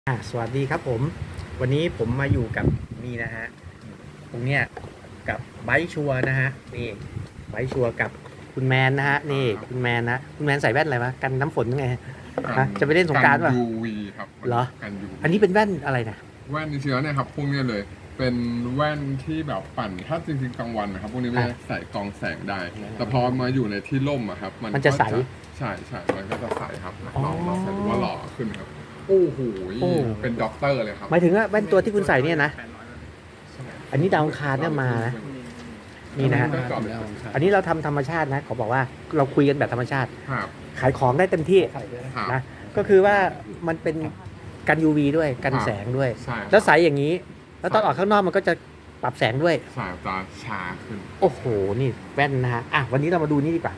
สวัสดีครับผมวันนี้ผมมาอยู่กับนี่นะฮะตรงเนี้ยกับไบค์ชัวร์นะฮะนี่ไบค์ชัวร์กับคุณแมนนะฮะนี่คุณแมนคุณแมนใส่แว่นอะไรมากันน้ำฝนยังไงจะไปเล่นสงกรานต์ป่ะ UV ครับเหรอกัน UV อันนี้เป็นแว่นอะไรนะแว่นเชื้อเนี่ยครับพวกนี้เลยเป็นแว่นที่แบบปั่นถ้าจริงๆกลางวันนะครับพวกนี้ไม่ได้ใส่กรองแสงได้แต่พอมาอยู่ในที่ร่มอะครับมันจะใสใช่มันก็จะใสครับลองใส่ดูว่าหล่อขึ้นครับโอ้โหเป็นด็อกเตอร์เลยครับหมายถึงว่าแว่นตัวที่คุณใส่เนี่ยนะอันนี้ดาวอังคารเนี่ยมานะนี่นะฮะอันนี้เราทำธรรมชาตินะขอบอกว่าเราคุยกันแบบธรรมชาติขายของได้เต็มที่นะก็คือว่ามันเป็นกัน UV ด้วยกันแสงด้วยแล้วใสอย่างนี้แล้วตอนออกข้างนอกมันก็จะปรับแสงด้วยสายตาชาขึ้นโอ้โหนี่แว่นนะฮะวันนี้เรามาดูนี่ดีกว่า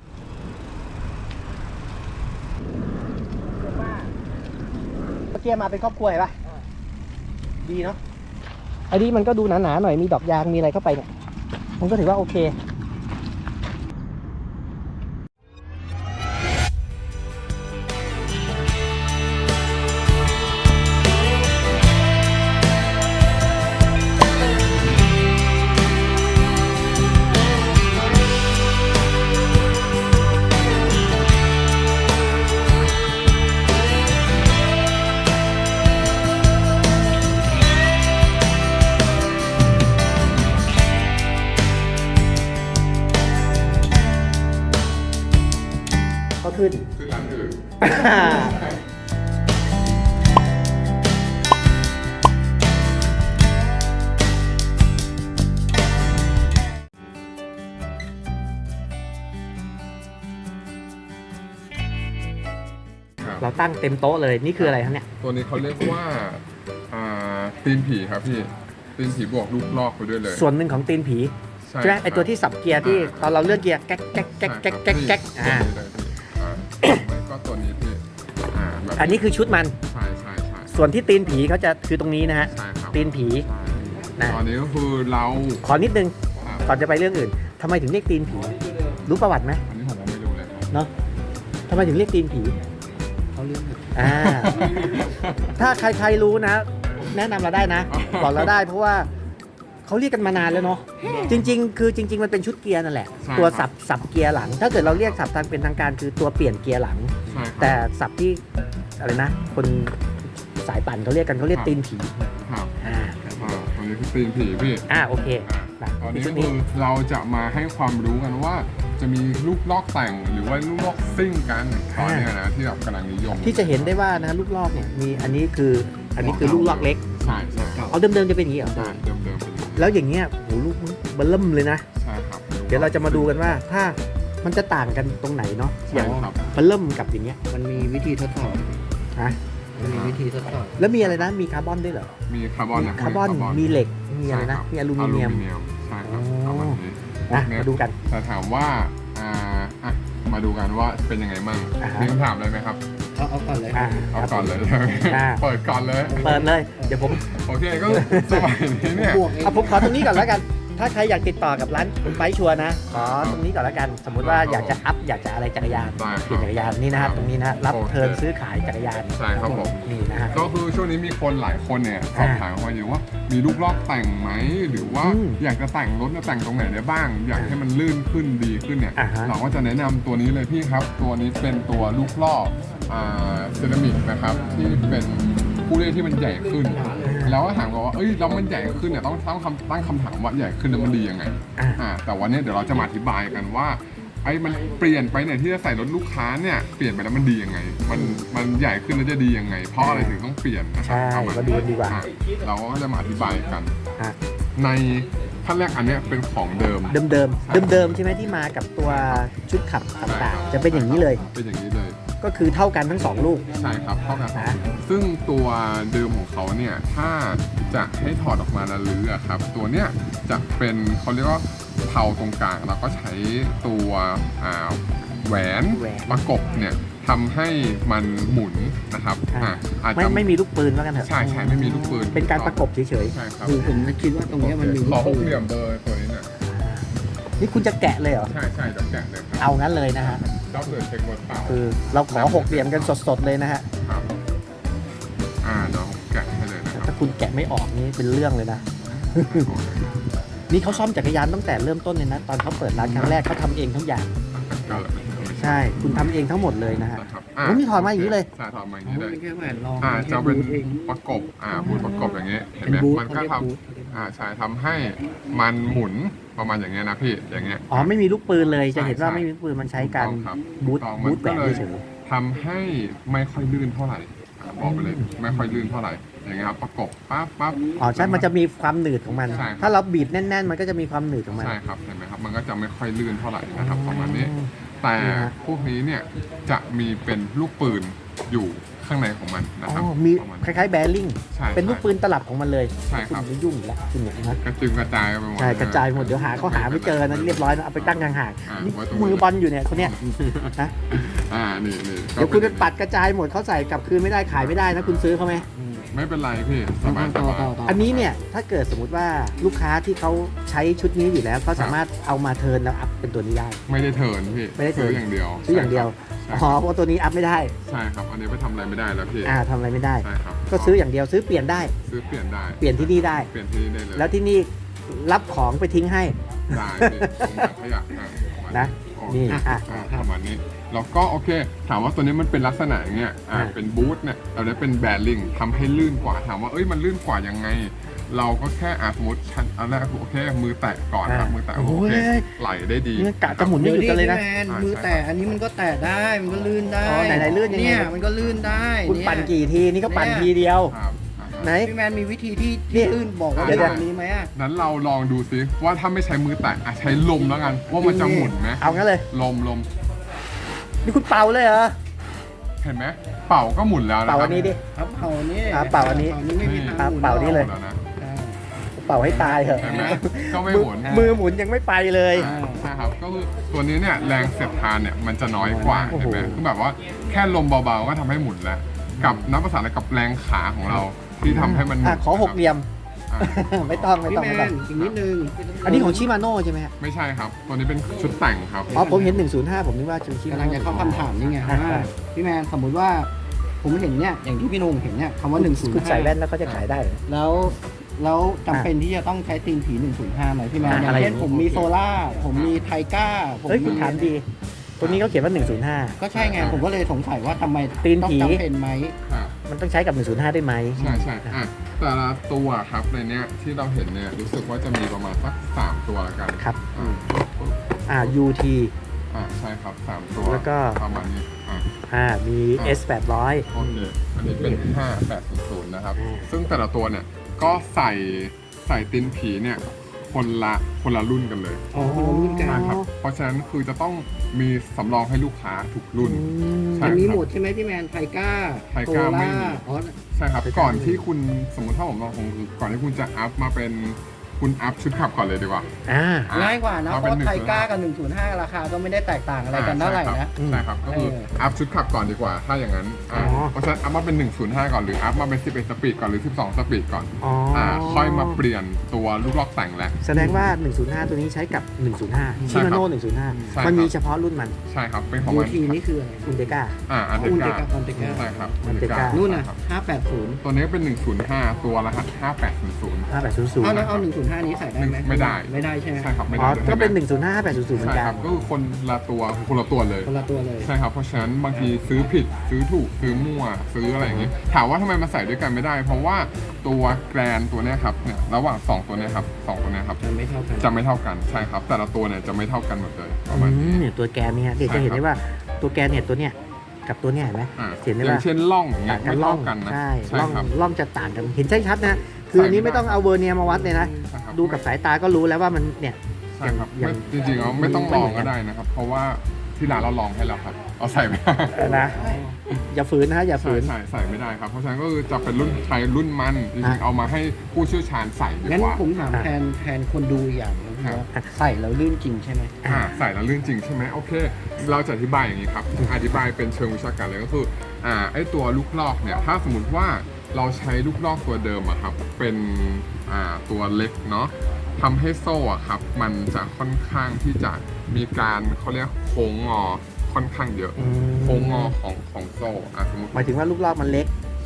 เมื่อกี้มาเป็นครอบครัวเห็นป่ะดีเนาะอันนี้มันก็ดูหนาๆหน่อยมีดอกยางมีอะไรเข้าไปเนี่ยมันก็ถือว่าโอเคก็ขึ้นร้านอื่นเราตั้งเต็มโต๊ะเลยนี่คืออะไรครับเนี่ยตัวนี้เขาเรียกว่าตีนผีครับพี่ตีนผีบวกลูกลอกไปด้วยเลยส่วนหนึ่งของตีนผีใช่ไหมไอตัวที่สับเกียร์ที่ตอนเราเลื่อนเกียร์แก๊กแก๊กแก๊กแก๊กแก๊กแก๊กก็ตัวนี้พี่อันนี้คือชุดมันใช่ส่วนที่ตีนผีเขาจะคือตรงนี้นะฮะตีนผีตอนนี้ก็คือเราขอนิดนึงก่อนจะไปเรื่องอื่นทำไมถึงเรียกตีนผีรู้ประวัติไหมอันนี้ผมไม่รู้เลยเนาะทำไมถึงเรียกตีนผีเขาเรียกถ้าใครรู้นะแนะนำเราได้นะบอกเราได้เพราะว่าเขาเรียกกันมานานแล้วเนาะจริงๆมันเป็นชุดเกียร์นั่นแหละตัวสับเกียร์หลังถ้าเกิดเราเรียกสับทางเป็นทางการคือตัวเปลี่ยนเกียร์หลังแต่สับที่อะไรนะคนสายปั่นเขาเรียกตีนผีครับตอนนี้คือตีนผีพี่โอเคตอนนี้คือเราจะมาให้ความรู้กันว่าจะมีลูกลอกแต่งหรือว่าลูกลอกซิ่งกันตอนนี้นะที่แบบกำลังนิยมที่จะเห็นได้ว่านะลูกลอกเนี่ยมีอันนี้คือลูกลอกเล็กใช่เอาเดิมๆจะเป็นอย่างนี้เหรอใช่เดิมเป็นแล้วอย่างเงี้ยโหลูกเบิ่มเลยนะใช่ครับเดี๋ยวเราจะมาดูกันว่าถ้ามันจะต่างกันตรงไหนเนาะอย่างเบิ่มกับอย่างเงี้ยมันมีวิธีทดสอบมันมีวิธีทดสอบแล้วมีอะไรนะมีคาร์บอนด้วยเหรอมีคาร์บอนมีเหล็กมีอะไรนะมีอลูมิเนียมใช่ครับประมาณนี้มาดูกันแต่ถามว่ามาดูกันว่าเป็นยังไงมั่งมีคำถามเลยไหมครับเอาก่อนเลยเอาก่อนเลยเปิดก่อนเลยเดี๋ยวผมโอเคก็สมัยนี้เนี่ยผมขอตรงนี้ก่อนแล้วกันถ้าใครอยากติดต่อกับร้านไบค์ชัวร์นะขอตรงนี้ก่อนแล้วกันสมมุติว่าอยากจะอยากจะอะไรจักรยานเปลี่ยนจักรยานนี่นะครับตรงนี้นะรับเทิร์นซื้อขายจักรยานใช่ครับผมนี่นะฮะก็คือช่วงนี้มีคนหลายคนเนี่ยสอบถามมาอยู่ว่ามีลูกลอกแต่งไหมหรือว่าอยากจะแต่งรถจะแต่งตรงไหนได้บ้างอยากให้มันลื่นขึ้นดีขึ้นเนี่ยเราก็จะแนะนำตัวนี้เลยพี่ครับตัวนี้เป็นตัวลูกลอกเซรามิกนะครับที่เป็นผู้เล่นที่มันใหญ่ขึ้นแล้วก็ถามว่าแล้วมันใหญ่ขึ้นเนี่ยต้องตั้งคำถามว่าใหญ่ขึ้นแล้วมันดียังไงแต่วันนี้เดี๋ยวเราจะมาอธิบายกันว่ามันเปลี่ยนไปเนี่ยที่จะใส่รถลูกค้าเนี่ยเปลี่ยนไปแล้วมันดียังไงมันใหญ่ขึ้นแล้วจะดียังไงเพราะอะไรถึงต้องเปลี่ยนนะครับมาดูดีกว่าเราก็จะมาอธิบายกันในขั้นแรกอันนี้เป็นของเดิมใช่ไหมที่มากับตัวชุดขับต่างๆจะเป็นอย่างนี้เลยเป็นอย่างนี้เลยก็คือเท่ากันทั้ง2ลูกใช่ครับเท่ากันซึ่งตัวเดิมของเขาเนี่ยถ้าจะให้ถอดออกมาแล้วลื้อครับตัวเนี้ยจะเป็นเขาเรียกว่าเผาตรงกลางแล้วก็ใช้ตัวแหวนประกบเนี่ยทำให้มันหมุนนะครับอาจจะไม่มีลูกปืนว่ากันเถอะใช่ไม่มีลูกปืนเป็นการประกบเฉยๆใช่ครับผมคิดว่าตรงนี้มันมีขอหกเหลี่ยมเบอร์ตัวนี้เนี่ยนี่คุณจะแกะเลยเหรอใช่จะแกะเลยครับเอางั้นเลยนะฮะก็เลยเช็คบนเปล่าคือเราขอ6เหลี่ยมกันสดๆเลยนะฮะครับเดี๋ยวคุณแกะไม่ออกนี่เป็นเรื่องเลยนะ นี่เขาซ่อมจักรยานตั้งแต่เริ่มต้นเลยนะ ตอนเขาเปิดร้านครั้งแรกเขาทำเองทั้งอย่าง ใช่ คุณทำเองทั้งหมดเลยนะฮะนะครับโอ้นี่ถอดมาอย่างนี้เลยใช่ถอดมาอย่างอ๋อนี้เลยเป็นแค่แหวนรองจะเป็นบูทเองประกบบูทประกบอย่างเงี้ยเห็นเป็นไหมบูทมันก็เขาเรียกทบูทำใช่ทำให้มันหมุนประมาณอย่างเงี้ยนะพี่อย่างเงี้ยอ๋อไม่มีลูกปืนเลย จะเห็นว่าใช่ไม่มีลูกปืนมันใช้การถูกต้องครับบูทถูกต้องบูทแหวมันนก็เลยเฉยทำให้ไม่ค่อยลื่นเท่าไหร่บอกไปเลยไม่ค่อยลื่นเท่าไหร่อย่างเงี้ยครับประกบปั๊บอ๋อใช่ มันจะมีความหนืดของมันใช่ครับถ้าเราบีบแน่น ๆ มันก็จะมีความหนืดของมันใช่ครับเห็นไหมครับมันก็จะไม่ค่อยลื่นเท่าไหร่นะครับประมาณนี้ แต่นี่ฮะพวกนี้เนี่ยจะมีเป็นลูกปืนอยู่ข้างในของมันนะอ๋ครับอมีประมาณคล้ายๆแบริ่งใช่เป็นลูกปืนตลับของมันเลยใช่ครับณไม่ยุ่งอีกแล้วคุณเนี่ยนะกระจึงกระจายไปหมดใช่กระจายหมดเดี๋ยวหาเขาหาไม่เจอนะเรียบร้อยนะเอาไปตั้งห่างอ่าๆนี่ไว้ตรงนี้มือบอลอยู่เนี่ยคนเนี้ยนะนี่เดี๋ยวคุณไปปัดกระจายหมดเขาใส่กลับคืนไม่ได้ขายไม่ได้นะคุณซื้อเขาไหมไม่เป็นไรพี่สบายสต่อบายต่ออันนี้เนี่ยถ้าเกิดสมมุติว่าลูกค้าที่เขาใช้ชุดนี้อยู่แล้วเขาสามารถเอามาเทิร์นแล้วอัพเป็นตัวนี้ได้ไม่ได้เทิร์นพี่ไม่ได้เทิร์นซื้ออย่างเดียวซื้ออย่างเดียวใช่อ๋อเพราะตัวนี้อัพไม่ได้ใช่ครับอันนี้ไปทำอะไรไม่ได้แล้วพี่ทำอะไรไม่ได้ใช่ครับก็ซื้ออย่างเดียวซื้อเปลี่ยนได้ซื้อเปลี่ยนได้เปลี่ยนที่นี่ได้เปลี่ยนที่นี่ได้เลยแล้วที่นี่รับของไปทิ้งให้ได้พี่ผมอยากขยะประมาณนะโอเคนี่อ่ะประมาณนี้แล้วก็โอเค ถามว่าตัวนี้มันเป็นลักษณะอย่างเงี้ยเป็นบูทเนี่ยเราได้เป็นแบริ่งทำให้ลื่นกว่าถามว่าเอ้ยมันลื่นกว่ายังไง เราก็แค่สมมติชั้นอันแรกโอเคมือแตะก่อนครับมือแตะโอเคไหลได้ดีนี่กะจะหมุนไม่หยุดกันเลยนะดี๋วพี่แมมือแตะอันนี้มันก็แตะได้มันก็ลื่นได้อ๋อไหนๆลื่นยังไงเนี่ยมันก็ลื่นได้คุณเนี่ยปั่นกี่ทีนี่ก็ปั่นทีเดียวครับไหนพี่แมนมีวิธีที่นี่ลื่นบอกว่าเดี๋ยวแบบนี้ไหมอ่ะนั้นเราลองดูซิว่าถ้าไม่ใช้มือแตะใช้ลมแล้วกันว่ามันจะหมุนไหมเอางั้นเลยลมนี่คุณเป่าเลยเหรอเห็นไหมเป่าก็หมุนแล้วนะเป่าอันนี้ดิครับเป่านี้เป่าอันนี้ไม่มีทางหมุนเป่านี่เลยแล้วนะอ่าเป่าให้ตายเถอะเห็นไหมก็ไม่หมุนมือหมุนยังไม่ไปเลยใช่ครับก็คือตัวนี้เนี่ยแรงเสียดทานเนี่ยมันจะน้อยกว่าโอ้โหเห็นไหมคือแบบว่าแค่ลมเบาๆก็ทำให้หมุนแล้ว กับนับภาษาอะไรกับแรงขาของเราที่ทำให้มันหมุนขอหกเหลี่ยมอ่ะไม่ต้องไม่พี่ต้องแมไม่ต้องนอีกนิดนึงอันนี้ของชิมาโน่ใช่ไหมฮะไม่ใช่ครับ ตัวนี้เป็นชุดแต่งครับอ๋อผมเห็น 105 ผมนึกว่าชิกำมาลังโน่จะเข้าคำถามนี่ไงว่าพี่แมนสมมติว่าผมเห็นเนี่ยอย่างที่พี่นุ่มเห็นเนี่ยคำว่า105 คุณใส่แว่นแล้วเขาจะขายได้เหรอแล้วจำเป็นที่จะต้องใช้ตีนผี 105ไหมพี่แมนอย่างอะไรเช่นผมมีโซล่าผมมีไทก้าผมเฮ้ยคุณมีถามดี ตัวนี้เขาเขียนว่า 105 ก็ใช่ไงผมก็เลยสงสัยว่าทำไมตีนผีต้องจำเป็นไหมครับมันต้องใช้กับ 105 ได้ไหมใช่ใช่อ่ะแต่ละตัวครับในเนี้ยที่เราเห็นเนี่ยรู้สึกว่าจะมีประมาณสัก3ตัวละกันครับอ่า UT ใช่ครับ3ตัวแล้วก็ประมาณนี้มี S 800 โอเคอันนี้เป็น5800นะครับซึ่งแต่ละตัวเนี่ยก็ใส่ตีนผีเนี่ยคนละรุ่นกันเลยอ๋อคนละรุ่นกันนะครับเพราะฉะนั้นคือจะต้องมีสำรองให้ลูกค้าทุกรุ่น ใช่มันมีหมดใช่ไหมพี่แมนไทก้าไทก้าไม่มีอ๋อใช่ครับก่อนที่คุณสมมติถ้าผมลองคงคือก่อนที่คุณจะอัพมาเป็นคุณอัพชุดขับก่อนเลยดีกว่าง่ายกว่านะเอาเพเป็นราะไทก้ากับ 105 ราคาก็ไม่ได้แตกต่างอะไรกันเท่าไหร่นะใช่ครับก็คืออัพชุดขับก่อนดีกว่า ถ้าอย่างนั้นเพราะฉะนั้นอัพมาเป็น105ก่อนหรืออัพมาเป็น11สปีดก่อนหรือ12สปีดก่อน ค่อยมาเปลี่ยนตัวลูกล็อกแต่งแล้วแสดงว่า 105 ตัวนี้ใช้กับ 105 ชิมาโน่ใช่ 105 ครับมันมีเฉพาะรุ่นมันใช่ครับเป็นของยูมันทีนี่คืออะไรอุนเดก้าอันเดอุนเดกาก้าอุนเดก้าใช่ครับอันเดก้านู่นน่ะครับ 580 ตัวนี้เป็น105ตัวรหัส5800 5800 เอาแล้วเอา 105 นี้ใส่ได้ไหมไม่ได้ไม่ได้ใช่ไหมใช่ครับไม่อ๋อได้ก็เป็น 105 5800 เหมือใช่นกัคน รับก็คือคนละตัวเลยคนละตัวเลยใช่ครับเพราะฉะนั้นบางทีซื้อผิดซื้อถูกซื้อมั่วซื้ออะไรอย่างงี้ถามว่าทำไมมาใส่ด้วยกันไม่ได้ เพราะว่าตัวแกรนตัวเนี้ยครับเนี่ยระหว่าง2ตัวเนี้ยครับ2ตัวเนี้ยครับจะไม่เท่ากันจะไม่เท่ากันใช่ครับ แต่ละตัวเนี่ยจะไม่เท่ากันหมดเลยประมาณนี้เนี่ยตัวแกนเนี่ยเดี๋ยวจะเห็นได้ว่าตัวแกนเนี่ยตัวเนี้ยกับตัวเนี้ยเห็นไหม เห็นได้อว่าย่างเช่นล่องอย่างเงี้ต่าย งกันไม่ล่อเท่าง กันนะใช่ใช่ล่องครับล่องจะต่างกันเห็นชัดๆนะคืออันนี้ไม่ต้องเอาเวอร์เนียร์มาวัดเลยนะใช่ครับดูกับสายตาก็รู้แล้วว่ามันเนี่ยใช่ครับอย่างจริงๆแล้วไม่ต้องลองก็ได้นะครับ เพราะว่าที่ร้านเราลองให้แล้วครับเอาใส่ไม่ได้นะอย่าฝืนนะอย่าฝืนใส่ไม่ได้ครับเพราะฉะนั้นก็คือจะเป็นรุ่นใช้รุ่นมันจริงอ่ะๆเอามาให้ผู้เชี่ยวชาญใส่ดีงั้นกว่าผมถามแทนคนดูอีกอย่างนึงว่าใส่แล้วลื่นจริงใช่ไหมใส่แล้วลื่นจริงใช่ไหมโอเค เราจะอธิบายอย่างนี้ครับอธิบายเป็นเชิงวิชาการเลยก็คือไอตัวลูกลอกเนี่ยถ้าสมมติว่าเราใช้ลูกลอกตัวเดิมอะครับเป็นตัวเล็กเนาะทำให้โซ่อะครับมันจะค่อนข้างที่จะมีการเขาเรียกโค้งงอค่อนข้างเยอะโค้งงอของโซ่สมมติหมายถึงว่าลูกลอกมันเล็กใ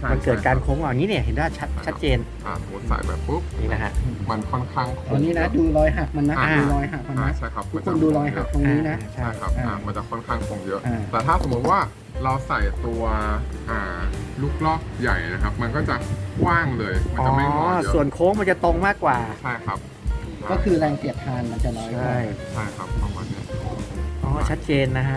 มันเกิดการโค้งอย่างนี้เนี่ยเห็นได้ชัดเจนสมมติใส่แบบปุ๊บนี่นะฮะมันค่อนข้างตอนนี้นะดูรอยหักมันนะดูรอยหักมันนะใช่ครับทุกคนดูรอยหักตรงนี้นะใช่ครับมันจะค่อนข้างคงเยอะอ่าแต่ถ้าสมมติว่าเราใส่ตัวลูกลอกใหญ่นะครับ มันก็จะกว้างเลยมันจะไม่งอเยอะส่วนโค้งมันจะตรงมากกว่าใช่ครับก็คือแรงเสียดทานมันจะน้อยกว่าใช่ครับประมาณนี้อ๋อชัดเจนนะฮะ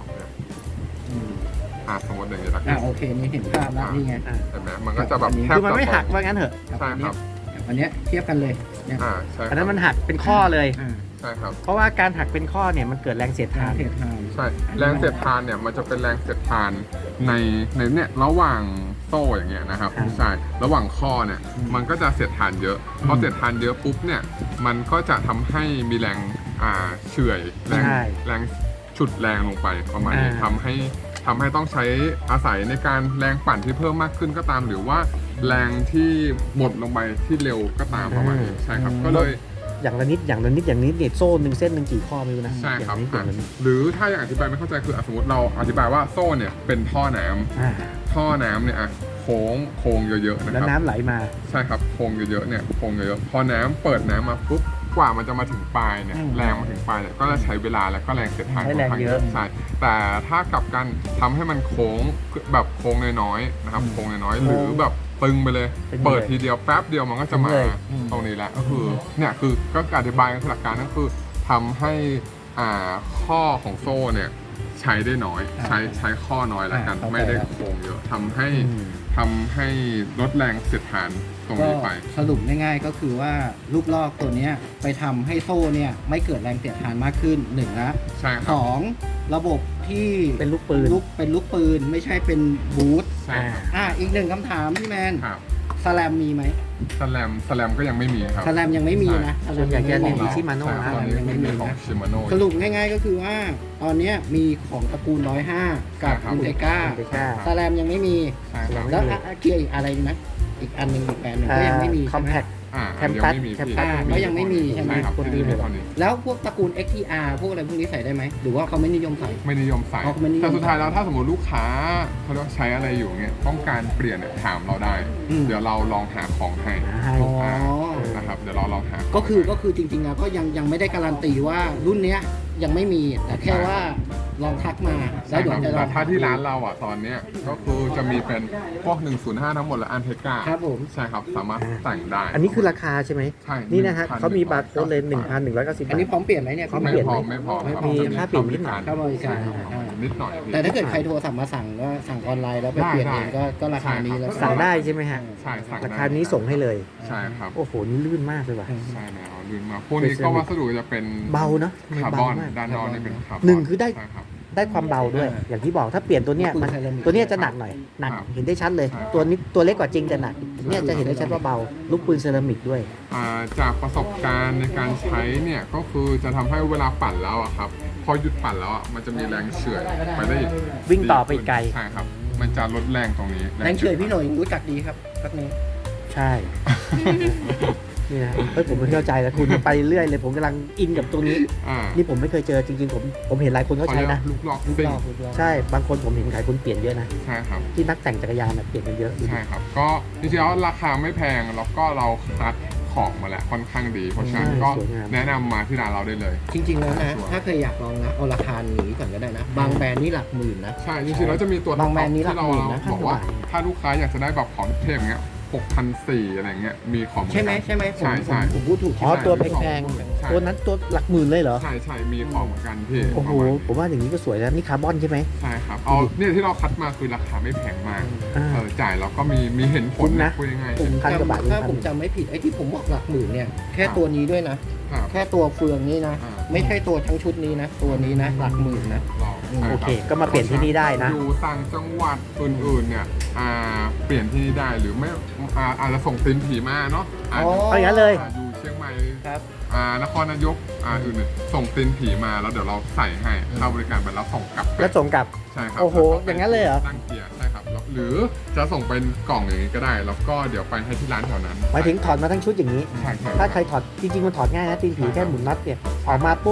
สมมติอย่างนี้ละโอเคนี่เห็นภาพแล้วนี่ไงเห็นไหมมันก็จะแบบแทบคือมันไม่หักจะตรงว่างั้นเถอะใช่ครับอันเนี้ยเทียบกันเลยเนี่ยใช่ครับอันนั้นมันหักเป็นข้อเลยใช่ครับเพราะว่าการหักเป็นข้อเนี่ยมันเกิดแรงเสียดทานเสียดทานใช่แรงเสียดทานเนี่ยมันจะเป็นแรงเสียดทานในเนี่ยระหว่างโซ่อย่างเงี้ยนะครับใช่ระหว่างข้อเนี่ยมันก็จะเสียดทานเยอะพอเสียดทานเยอะปุ๊บเนี่ยมันก็จะทำให้มีแรงเฉื่อยแรงฉุดแรงลงไปประมาณนี้ทำให้ต้องใช้อาศัยในการแรงปั่นที่เพิ่มมากขึ้นก็ตาม หรือว่าแรงที่หมดลงไปที่เร็วก็ตามประมาณนี้ใช่ครับก็เลยอย่างละนิดเนี่ยโซ่หนึ่งเส้นหนึ่งกี่ข้อไม่รู้นะใช่ครับอย่างละนิดหรือถ้าอย่างอธิบายไม่เข้าใจคือสมมติเราอธิบายว่าโซ่เนี่ยเป็นท่อน้ำท่อน้ำเนี่ยโค้งเยอะๆนะแล้วครับน้ำไหลมาใช่ครับโค้งเยอะๆเนี่ยโค้งเยอะๆพอน้ำเปิดน้ำมาปุ๊บกว่ามันจะมาถึงปลายเนี่ยแรงมาถึงปลายเนี่ยก็จะใช้เวลาแล้วก็แรงเสียดทานใช้แรงเยอะใช่แต่ถ้ากลับกันทำให้มันโค้งแบบโค้งน้อยๆนะครับโค้งน้อยๆหรือแบบตึงไปเลย เปิดทีเดียวแป๊บเดียวมันก็จะมาตรงนี้แหละก็คือเนี่ยคือก็อธิบายกันหลักการก็คือทำให้ข้อของโซ่เนี่ยใช้ได้น้อยใช้ข้อน้อยแล้วกันไม่ได้โค้งเยอะทำให้ลดแรงเสียดทานตรงก็นี้ไปสรุปง่ายๆก็คือว่าลูกลอกตัวเนี้ยไปทำให้โซ่เนี่ยไม่เกิดแรงเสียดทานมากขึ้นหนึ่งละใช่คสรับองระบบที่เป็นลูกปืนเป็นลูกปืนไม่ใช่เป็นบูทใช่ครับอีกหนึ่งคำถามพี่แมนครับสแลมมีไหมสแลมก็ยังไม่มีครับสแลมยังไม่มีนะสแลส่วมนใหญ่ยังจะไม่เน้นมีที่ Shimano ตอนนี้ไม่มีของชิมาโน่สรุปง่ายๆก็คือว่าตอนเนี้ยมีของตระกูล 105 กับครับอินเตก้า Integra สแลมยังไม่มีใช่ครับแล้วเกียร์อีกอะไรนะอีกอันหนึ่งอีกแบรนด์หนึ่งก็ยังไม่มีคอใช่มไหมแพคแคมปัสก็ยังไม่มีใช่ไหมครับคนอื่นไม่มีแล้วพวกตระกูล XTR พวกอะไรพวกนี้ใส่ได้ไหมหรือว่าเขาไม่นิยมใส่ไม่นิยมใส่อ๋อไม่นิยมแต่สุดท้ายแล้วถ้าสมมติลูกค้าเขาเรียกว่าใช้อะไรอยู่เงี้ยต้องการเปลี่ยนเนี่ยถามเราได้ เดี๋ยวเราลองหาของให้อ๋อนะครับเดี๋ยวเราลองหาของก็คือให้จริงๆแล้วก็ยังไม่ได้การันตีว่ารุ่นเนี้ยยังไม่มีแต่แค่ว่าลองทักมาแล้ใช่วเดี๋คยวรับจะลแต่องถ้าที่ร้านเราอ่ะตอนเนี้ยก็คือจะมีเป็นพวก 105 ทั้งหมดและอันเทกาครับผมใช่ครับสามารถแต่งได้อันนี้คือราคาใช่ไหมใช่นี่นะฮะ 1,190 เขามีบาร์โค้ดเลย 1,190 อันนี้พร้อมเปลี่ยนไหมเนี่ยพร้อมไม่เปลี่ยนพไหอมไม่พอไม่พอรับมีค่าเปลี่ยนนิดหน่อยค่าบริการนิดหน่อยแต่ถ้าเกิดใครโทรสั่งมาสั่งก็สั่งออนไลน์แล้วไปเปลี่ยนเองก็ราคานี้แล้วสั่งได้ใช่ไหมฮะใช่สั่งราได้คานี้ส่งให้เลยใช่ครับโอ้โห นี่ลื่นมากเลยว่ะใช่แล้วลืมมาพวกนี้ก็วัสดุจะเป็นเบาเนอะทำไมคาร์บเบาอนมากด้านนอกนี่เป็นคาร์บอนหนึ่งคือได้ใช่ครับได้ความเบาด้วย อย่างที่บอกถ้าเปลี่ยนตัวเนี้ยมันตัวเนี้ยจะหนักหน่อย หนักครับเห็นได้ชัดเลยใช่ตัวนี้ตัวเล็กกว่าจริงแต่หนัก เนี่ยจะเห็นได้ชัดว่าเบา ลูกปืนเซรามิกด้วยจากประสบการณ์ในการใช้เนี่ยก็คือจะทำให้เวลาปั่นแล้วอะครับพอหยุดปั่นแล้วอะมันจะมีแรงเฉื่อยไปได้อีกวิ่งต่อไปอีกไกลใช่ครับ มันจะลดแรงตรงนี้แรงเฉยพี่หน่อยรู้จักดีครับพักนี้ใช่ นี่นะเฮ้ยผมไม่เข้าใจแล้วคุณไปเรื่อยเลย ผมกำลังอินกับตรงนี้อ่านี่ผมไม่เคยเจอจริงๆ ผมเห็นหลายคนเขาใช้นะลูกลอกลูกซิ่งรอบลูกรอบใช่ บางคนผมเห็นขายคนเปลี่ยนเยอะนะใช่ครับที่นักแต่งจักรยานน่ะเปลี่ยนกันเยอะใช่ครับ ก็จริงๆแล้วราคาไม่แพงแล้วก็เราคัดของมาแล้วค่อนข้างดี เพราะฉะนั้นก็แนะนำมาที่ร้านเราได้เลยจริงๆแล้วนะถ้าเคยอยากลองนะเอาราคานี้ก่อนก็ได้นะ บางแบรนด์นี่หลักหมื่นนะใช่จริงๆแล้วจะมีตัวบางแบรนด์นี่หลัที่กเราหมื่นนะบอกว่าถ้าลูกค้าอยากจะได้แบบของเทพอย่างเงี้ย6,400อะไรเงี้ยมีของใช่ไหมใช่ไหมผมใช่ผมพูดถูกอ๋อใช่ไหมตัวแพงใช่ๆ ตัวนั้นตัวหลักหมื่นเลยเหรอใช่ใช่มีของเหมือนกันพี่โอ้โห ผมว่าอย่างนี้ก็สวยแล้ว นี่คาร์บอนใช่ไหมใช่ครับเอาเนี่ยที่เราคัดมาคือราคาไม่แพงมากอ่าจ่ายแล้วก็มีเห็นผลคุ้มนะพูดง่ายผมพันกว่าบาทถ้าผมจำไม่ผิดไอ้ที่ผมบอกหลักหมื่นเนี่ยแค่ตัวนี้ด้วยนะๆครับแค่ตัวเฟืองนี้นะอ่าไม่ใช่ตัวทั้งชุดนี้นะ ตัวนี้นะ หลักหมื่นนะเราใช่โอรับเค ก็มาเปลี่ยนที่นี่ได้นะอยู่ต่างจังหวัดอื่นๆเนี่ยเปลี่ยนที่นี่ได้หรือไม่อาจจะส่งตินผีมาเนาะอ๋อเอาอย่างนั้นเลยอยู่เชียงใหม่ครับนครนายกอื่นๆส่งตินผีมาแล้วเดี๋ยวเราใส่ให้ค่าบริการไปแล้วส่งกลับไปแล้วส่งกลับใช่ครับโอ้โหแล้วก็อย่างนั้นเลยเหรอตั้งเกียร์ใช่ครับแล้วหรือจะส่งเป็นกล่องอย่างนี้ก็ได้ แล้วก็เดี๋ยวไปให้ที่ร้านแถวนั้นหมายถึงถอดมาทั้งชุดอย่างนี้ใช่ใช่ถ้าใครถอดจริงๆมันถอดง่ายนะตีนผีแค่หมุนน็อตเนี่ยออกมาปุ๊บ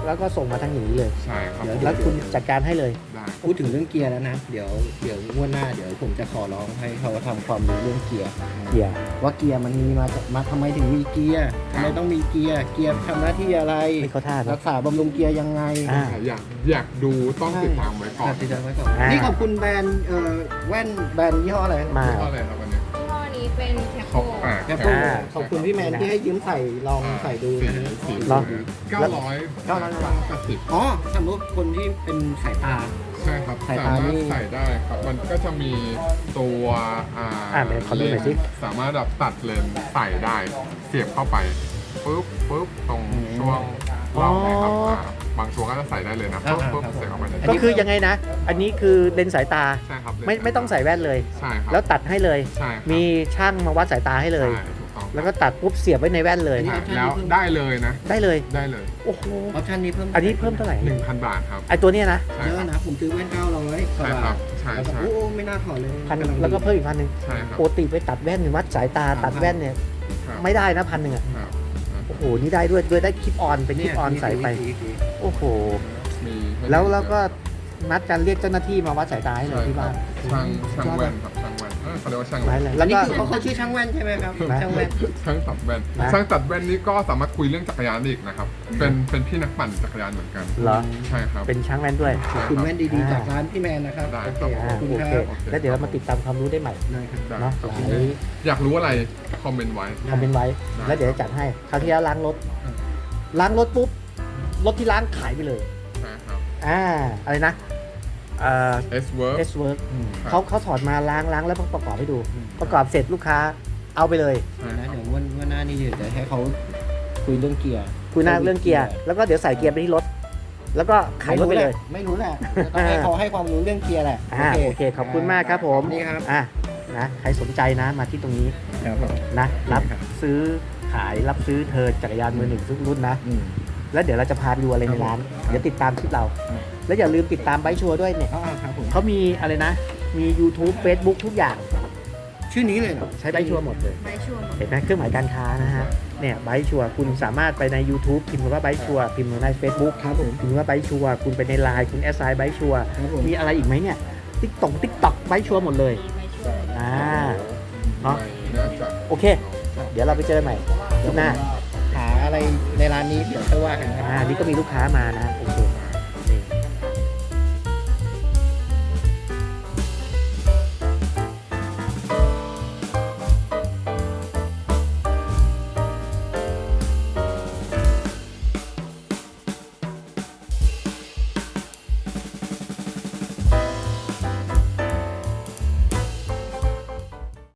แล้วก็ส่งมาทางอย่างนี้เลยใช่ครับแล้วคุณจัดการให้เลยได้พูดถึงเรื่องเกียร์แล้วนะ เดี๋ยวงวดหน้าเดี๋ยวผมจะขอร้องให้เขาทำความรู้เรื่องเกียร์เกียร์ว่าเกียร์มันมีมาทำไมถึงมีเกียร์ทำไมต้องมีเกียร์ทำหน้าที่อะไรไม่เข้าท่ารันะกษาบำรุงเกียร์ยังไงอ่าอยากดูต้องติดตามไว้ก่อนติดตามไว้ก่อนอ่านี่นี่ขอบคุณแบรนด์แว่นแบรนด์ยี่ห้ออะไรมาข้ออะไรครับวันนี้ยี่ห้อนี้เป็นแคปโปแคปโปขอบคุณพี่แมนที่ให้ยืมใส่ลองใส่ดูสีนะฮะสีเหรอ 980 อ๋อสมมติคนที่เป็นสายตาใช่ครับสายสาตามารถนี่ใส่ได้ครับ มันก็จะมีตัวเดี๋ยวขอดูหน่อยสิสามารถแบบตัดเลนส์ใส่ได้ เสียบเข้าไปปุ๊บตรงช่วงร่องนะครับบางตัวก็จะใส่ได้เลยนะปุ๊บเสียบเข้าไปเลยก็คือยังไงนะ อันนี้คือเลนส์สายตาใช่ครับไม่ต้องใส่แว่นเลยใช่ครับแล้วตัดให้เลยใช่ครับมีช่างมาวัดสายตาให้เลยใช่ถูกต้องแล้วก็ตัดปุ๊บเสียบไว้ในแว่นเลยใช่แล้วได้เลยนะได้เลยได้เลยโอ้โหออปชั่นนี้เพิ่มอันนี้เพิ่มเท่าไหร่ 1,000 บาทครับไอตัวเนี้ยนะใช่เยครัอะบนะผมซื้อแว่น900 ใช่ครับใช่แล้วก็ใช่โอ้ไม่น่าถอดเลยพันแล้วก็เพิ่มอีก1,000 ใช่ครับปกติไปตัดแว่นวัดสายตาตัดแว่นเนี่ยครับไม่ได้นะ1,000อ่ะครับโอ้โห นี่ได้ด้วยได้คลิปออนเป็นคลิปออนใส่ไป โอ้โหมีให้แล้วก็นัดกันเรียกเจ้าหน้าที่มาวัดสายตาให้เลยที่บ้านช่างแว่นครับช่างแว่นเขาเรียกว่าช่างไว้แว่นเลยแล้แล้ว วนี่ก็คือเขาชื่อช่างแว่นใช่ไหมครับนะช่างแว่นช่างตัดแว่นนะช่างตัดแว่นนี้ก็สามารถคุยเรื่องจักรยานได้อีกนะครับ เป็นพี่นักปั่นจักรยานเหมือนกันเหรอใช่ครับเป็นช่างแว่นด้วยใช่คุณรับแว่นดีๆจากร้านพี่แมนนะครับได้โอเคครับขอบคุณโอคเครับแล้วเดี๋ยวเรามาติดตามความรู้ได้ใหม่ได้ครับได้เนาะครับหลายอยากรู้อะไรคอมเมนต์ไว้คอมเมนต์ไว้ได้แล้วเดี๋ยวจะจัดให้คราวที่แล้วล้างรถ ล้างรถปุ๊บ รถที่ล้างขายไปเลยใช่ครับอะไรนะ S work S work ครับเขาถอดมาล้างแล้วประกอบให้ดู ประกอบเสร็จลูกค้าเอาไปเลยใช่เดี๋ยวนะครับ เดี๋ยววันหน้านี่เดี๋ยวจะให้เขาคุยเรื่องเกียร์คุยหน้าเรื่องเกียร์ แล้วก็เดี๋ยวใส่เกียร์ไปที่รถ แล้วก็ขายรถไปเลยไม่รู้แหละต้องให้เขาให้ความรู้เรื่องเกียร์แหละโอเค ขอบคุณมากครับผมนี่ครับนะใครสนใจนะมาที่ตรงนี้ครับผมนะรับครับซื้อขายรับซื้อเธอจักรยานมือหนึ่งทุกรุ่นนะอืมแล้วเดี๋ยวเราจะพาไปดูอะไรในร้านครับเดี๋ยวติดตามคลิปเราครับแล้วอย่าลืมติดตามไบค์ชัวร์ด้วยเนี่ยครับผมเขามีอะไรนะ มี YouTube Facebook ทุกอย่างชื่อนี้เลยเหรอใช้ไบค์ชัวร์หมดเลยใบชัวร์เห็นไหมเครื่องหมายการค้านะฮะ เนี่ยไบค์ชัวร์คุณสามารถไปใน YouTube พิมพ์คำว่าไบค์ชัวร์พิมพ์ใน Facebook ครับผมพิมพ์ว่าไบค์ชัวร์คุณไปในไลน์คุณแอสไซน์ไบค์ชัวร์ครับผมมีอะไรอีกไหมเนี่ยติ๊กต็อกไบค์ชัวร์หมดเลยมีใบชัวร์เนาะไม่น่าจะโอเค เดี๋ยวเราไปเจอกันใหม่คลิปหน้าหาอะไรในร้านนี้เดี๋ยวค่อยว่ากันครับนี่ก็มีลูกค้ามานะ โอเค